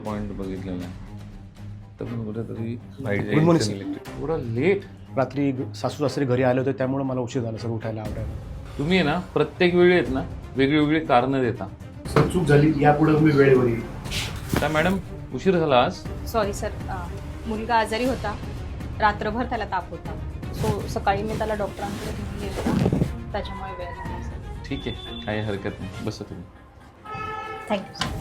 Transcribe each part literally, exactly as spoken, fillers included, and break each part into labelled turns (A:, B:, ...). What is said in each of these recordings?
A: Point बघितलेला आहे तर पण कुठेतरी
B: Good morning, sir.
A: थोडं लेट.
B: रात्री सासू सासरे घरी आले होते त्यामुळे मला उशीर झाला सर उठायला आवडायला.
A: तुम्ही आहे ना प्रत्येक वेळी आहेत ना वेगळी वेगळी कारणं देता.
B: सर चूक झाली, यापुढे तुम्ही वेळेवर येईल.
A: काय मॅडम उशीर झाला आज?
C: सॉरी सर, मुलगा आजारी होता, रात्रभर त्याला ताप होता, सो सकाळी मी त्याला डॉक्टरांकडे घेऊन गेले होता, त्याच्यामुळे वेळ झाला सर.
A: ठीक आहे, काही हरकत नाही, बसा तुम्ही.
C: Thank you sir.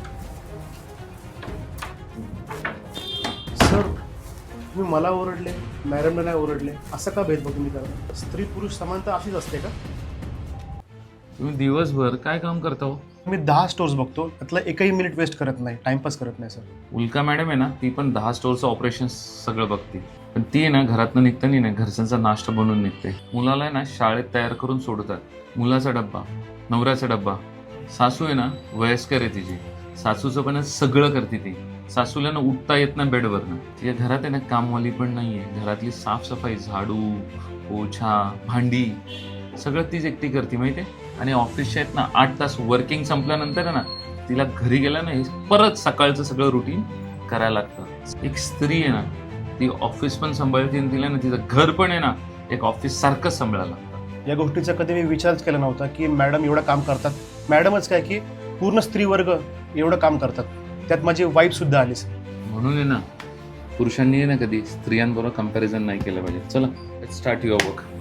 B: सर तुम्ही मला ओरडले, मॅडमला नाही ओरडले, असं का भेदभाव तुम्ही करा? स्त्री पुरुष समानता अशीच असते का?
A: तुम्ही दिवसभर काय काम करता हो?
B: मी दहा स्टोर्स बघतो, त्यातला एकही मिनिट वेस्ट करत नाही, टाइमपास करत नाही सर.
A: उल्का मॅडम आहे ना ती पण दहा स्टोअरचं ऑपरेशन सगळं बघते, पण ती आहे ना घरातनं निघताना ना घरच्यांचा नाश्ता बनवून निघते. मुलाला आहे ना शाळेत तयार करून सोडतात, मुलाचा डब्बा, नवऱ्याचा डब्बा. सासू आहे ना वयस्कर आहे तिची, सासूचं पण सगळं करते ती. सासूला ना उठता येत ना बेडवरनं. तिच्या घरात आहे ना कामवाली पण नाहीये, घरातली साफसफाई, झाडू, पोछा, भांडी सगळं तीच एकटी करते माहितीये. आणि ऑफिसच्या आहेत ना आठ तास वर्किंग संपल्यानंतर आहे ना तिला घरी गेला ना परत सकाळचं सगळं रुटीन करायला लागतं. एक स्त्री आहे ना ती ऑफिस पण सांभाळते आणि तिला ना तिचं घर पण आहे ना एक ऑफिस सारखंच सांभाळायला लागतं.
B: या गोष्टीचा कधी मी विचारच केला नव्हता की मॅडम एवढं काम करतात. मॅडमच काय की पूर्ण स्त्री वर्ग एवढं काम करतात, त्यात माझी वाईफ सुद्धा आली सर.
A: म्हणून आहे ना पुरुषांनी आहे ना कधी स्त्रियांबरोबर कंपॅरिझन नाही केलं पाहिजे. चला लेट्स स्टार्ट युअर वर्क.